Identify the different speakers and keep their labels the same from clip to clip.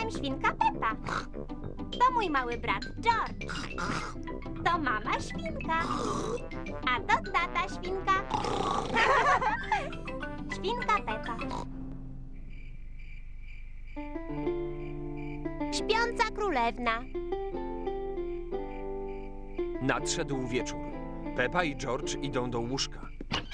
Speaker 1: jestem świnka Pepa. To mój mały brat George. To mama świnka. A to tata świnka. Świnka Pepa. Śpiąca królewna.
Speaker 2: Nadszedł wieczór. Pepa i George idą do łóżka.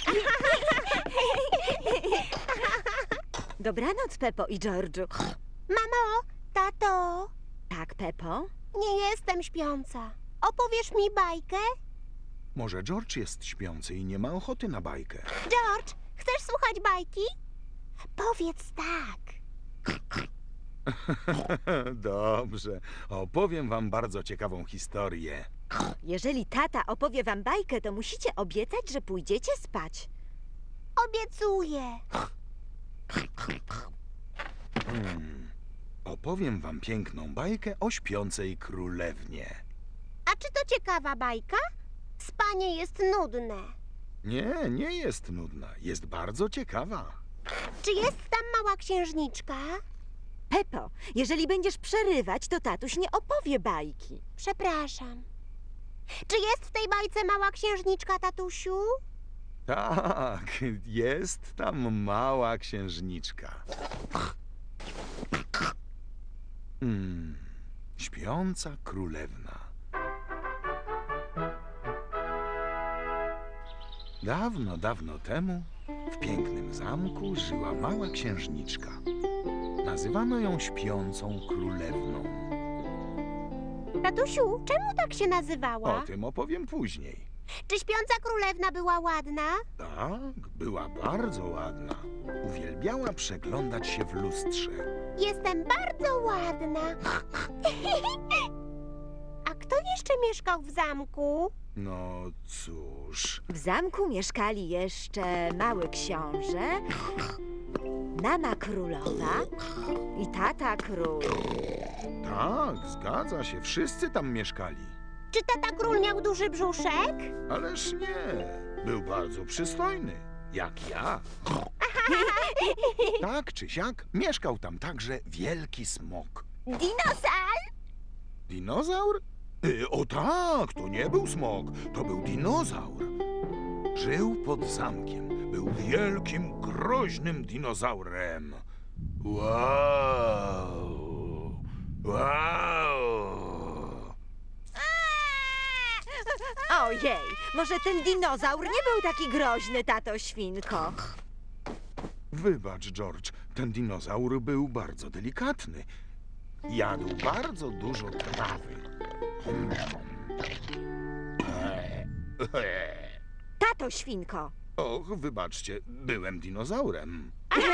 Speaker 3: Dobranoc, Pepo i George'u.
Speaker 1: Mamo, tato,
Speaker 3: Tak, Pepo?
Speaker 1: nie jestem śpiąca. Opowiesz mi bajkę?
Speaker 4: Może George jest śpiący i nie ma ochoty na bajkę.
Speaker 1: George, chcesz słuchać bajki? Powiedz tak.
Speaker 4: Dobrze, opowiem wam bardzo ciekawą historię.
Speaker 3: Jeżeli tata opowie wam bajkę, to musicie obiecać, że pójdziecie spać.
Speaker 1: Obiecuję.
Speaker 4: Opowiem wam piękną bajkę o śpiącej królewnie.
Speaker 1: A czy to ciekawa bajka? Spanie jest nudne.
Speaker 4: Nie, nie jest nudna, jest bardzo ciekawa.
Speaker 1: Czy jest tam mała księżniczka?
Speaker 3: Pepo, jeżeli będziesz przerywać, to tatuś nie opowie bajki.
Speaker 1: Przepraszam. Czy jest w tej bajce mała księżniczka, tatusiu?
Speaker 4: Tak, jest tam mała księżniczka. Śpiąca królewna. Dawno, dawno temu w pięknym zamku żyła mała księżniczka. Nazywano ją śpiącą królewną.
Speaker 1: Tatusiu, czemu tak się nazywała?
Speaker 4: O tym opowiem później.
Speaker 1: Czy śpiąca królewna była ładna?
Speaker 4: Tak, była bardzo ładna. Uwielbiała przeglądać się w lustrze.
Speaker 1: Jestem bardzo ładna. A kto jeszcze mieszkał w zamku?
Speaker 4: No cóż,
Speaker 3: W zamku mieszkali jeszcze mały książę, mama królowa i tata król.
Speaker 4: tak, zgadza się, wszyscy tam mieszkali.
Speaker 1: Czy tata król miał duży brzuszek?
Speaker 4: Ależ nie, był bardzo przystojny, jak ja. Tak czy siak, mieszkał tam także wielki smok.
Speaker 1: Dinosaur?
Speaker 4: Dinozaur? O tak, to nie był smok, to był dinozaur. Żył pod zamkiem, był wielkim, groźnym dinozaurem. Wow! Wow!
Speaker 3: Ojej, może ten dinozaur nie był taki groźny, tato świnko.
Speaker 4: Wybacz, George, ten dinozaur był bardzo delikatny. Jadł bardzo dużo trawy.
Speaker 3: Tato świnko.
Speaker 4: Och, wybaczcie, byłem dinozaurem.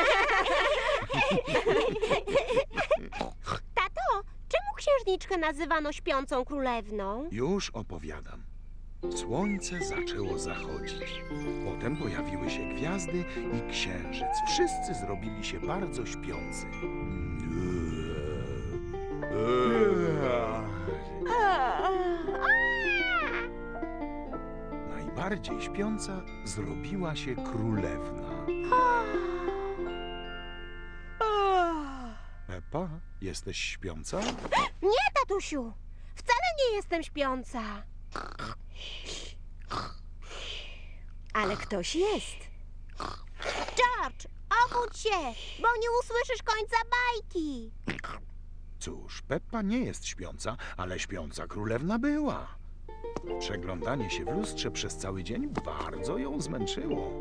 Speaker 1: Tato, czemu księżniczkę nazywano śpiącą królewną?
Speaker 4: Już opowiadam. Słońce zaczęło zachodzić. Potem pojawiły się gwiazdy i księżyc. Wszyscy zrobili się bardzo śpiący. Najbardziej śpiąca zrobiła się królewna. Pepa, jesteś śpiąca?
Speaker 1: Nie, tatusiu. Wcale nie jestem śpiąca.
Speaker 3: Ale ktoś jest.
Speaker 1: George, obudź się, bo nie usłyszysz końca bajki.
Speaker 4: Cóż, Peppa nie jest śpiąca, ale śpiąca królewna była. Przeglądanie się w lustrze przez cały dzień bardzo ją zmęczyło.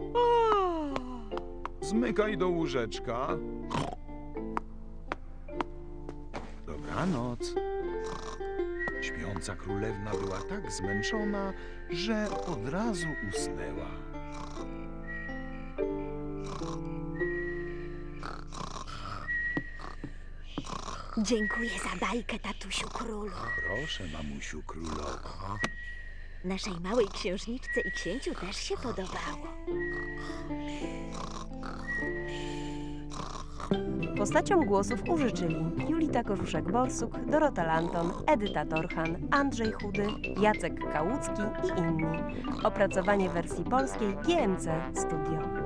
Speaker 4: Zmykaj do łóżeczka. Dobranoc. Śpiąca królewna była tak zmęczona, że od razu usnęła.
Speaker 3: Dziękuję za bajkę, tatusiu królu.
Speaker 4: Proszę, mamusiu królowo.
Speaker 3: Naszej małej księżniczce i księciu też się podobało.
Speaker 5: Postaciom głosów użyczyli Julita Korzuszek-Borsuk, Dorota Lanton, Edyta Torchan, Andrzej Chudy, Jacek Kałucki i inni. Opracowanie wersji polskiej GMC Studio.